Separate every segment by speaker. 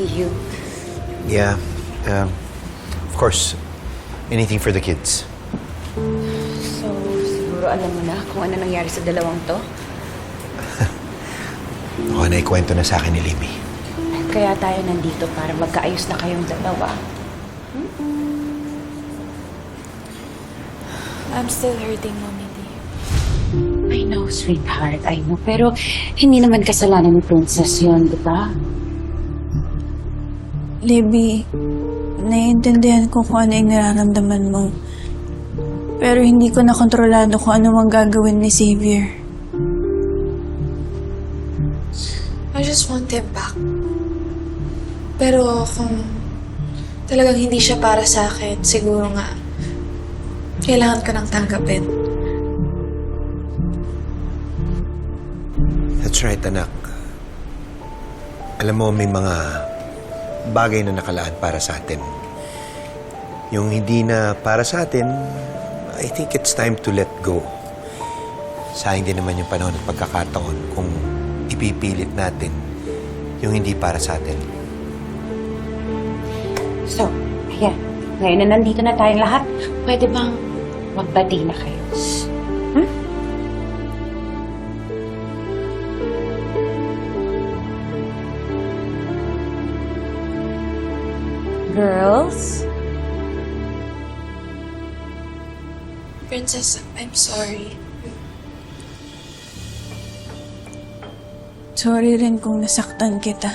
Speaker 1: see you.
Speaker 2: Yeah. Of course, anything for the kids.
Speaker 1: So, siguro alam mo na kung ano nangyari sa dalawang to?
Speaker 2: Oo, naikwento na sa akin ni Libby.
Speaker 1: Kaya tayo nandito para magkaayos na kayong dalawa.
Speaker 3: I'm still hurting, Mommy D.
Speaker 1: I know, sweetheart. I know. Pero hindi naman kasalanan ni Princess yun, di ba?
Speaker 3: Libby, naiintindihan ko kung ano yung nararamdaman mo. Pero hindi ko na kontrolado kung ano mang gagawin ni Xavier. I just want him back. Pero kung talagang hindi siya para sa akin, siguro nga, kailangan ko nang tanggapin.
Speaker 2: That's right, anak. Alam mo, may mga bagay na nakalaan para sa atin. Yung hindi na para sa atin, I think it's time to let go. Sayang din naman yung panahon at pagkakataon kung ipipilit natin yung hindi para sa atin.
Speaker 1: So, ayan. Ngayon na nandito na tayong lahat, pwede bang magbati na kayo? Girls?
Speaker 3: Princess, I'm sorry. Sorry rin kung nasaktan kita.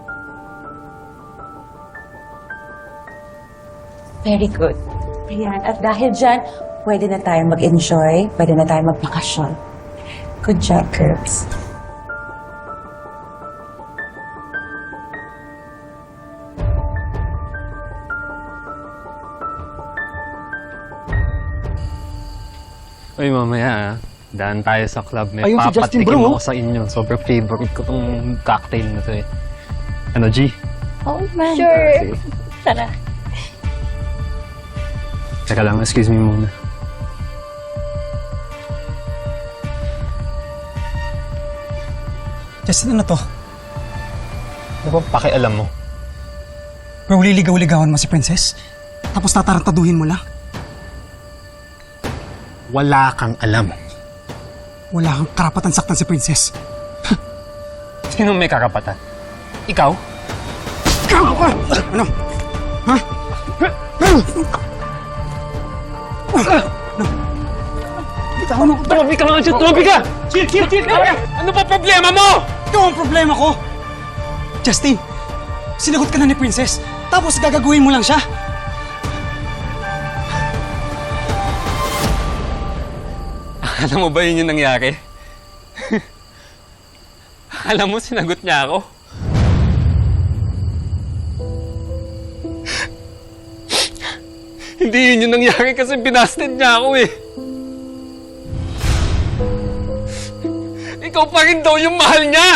Speaker 1: Very good. Ayan. At dahil dyan, pwede na tayong mag-enjoy, pwede na tayong magbakasyon. Good job, girls.
Speaker 4: Uy, mamaya daan tayo sa club. May
Speaker 5: Ayun si Justin,
Speaker 4: papatikim
Speaker 5: bro.
Speaker 4: ako sa inyo. Sobrang favorite ko tong cocktail na to eh. Ano, G?
Speaker 1: Oh, man.
Speaker 4: Sige.
Speaker 1: Tara.
Speaker 4: Teka lang, excuse me muna.
Speaker 5: Justin, ano to?
Speaker 4: Ano ba pakialam mo?
Speaker 5: Bro, liligaw-ligawan mo si Princess? Tapos tatarantaduhin mo lang?
Speaker 4: Wala kang alam.
Speaker 5: Wala kang karapatan saktan si Princess.
Speaker 4: Sino may karapatan? Ikaw?
Speaker 5: Ikaw ka! Ano? Ha? Ikaw ano?
Speaker 4: Tumabi ka mga dyan! Tumabi ka! Chill! Ano pa problema mo?
Speaker 5: Ikaw ang problema ko! Justin, sinagot ka na ni Princess, tapos gagaguhin mo lang siya.
Speaker 4: Alam mo ba yun yung nangyari? Alam mo, sinagot niya ako. Hindi yun yung nangyari kasi binasted niya ako eh. Ikaw pa rin daw yung mahal niya!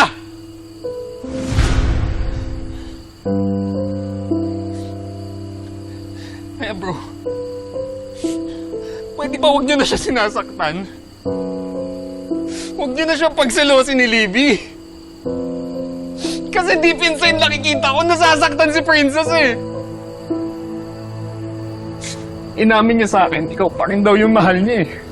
Speaker 4: Kaya bro, pwede ba huwag niyo na siya sinasaktan? Huwag niyo na siya pagselosin ni Libby. Kasi deep inside nakikita ko nasasaktan si Princess eh. Inamin niya sa akin, ikaw pa rin daw yung mahal niya eh.